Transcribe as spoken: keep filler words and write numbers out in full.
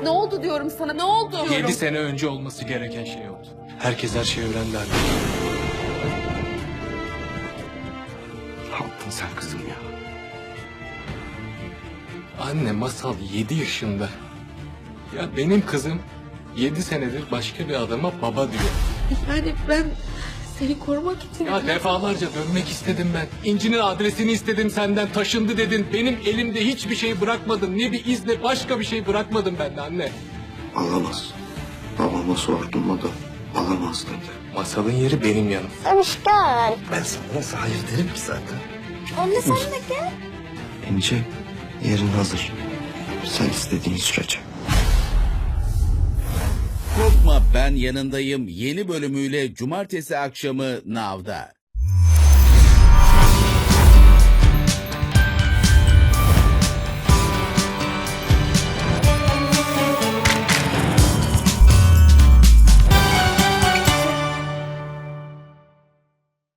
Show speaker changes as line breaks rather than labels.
Ne oldu diyorum sana, ne oldu diyorum.
Yedi sene önce olması gereken şey oldu. Herkes her şeyi öğrendi anne.
Ne yaptın sen kızım ya?
Anne, Masal yedi yaşında. Ya benim kızım yedi senedir başka bir adama baba diyor.
Yani ben seni korumak için...
Ya defalarca dönmek istedim ben. İnci'nin adresini istedim senden, taşındı dedin. Benim elimde hiçbir şey bırakmadın. Ne bir iz ne başka bir şey bırakmadın benden anne.
Alamaz. Babama sorduğumda alamaz dedi.
Masalın yeri benim yanım.
Aşkım.
Ben sana nasıl hayır derim ki zaten?
Anne sen de gel.
İnce, yerin hazır. Sen istediğin sürece.
Korkma, ben yanındayım yeni bölümüyle cumartesi akşamı Nav'da.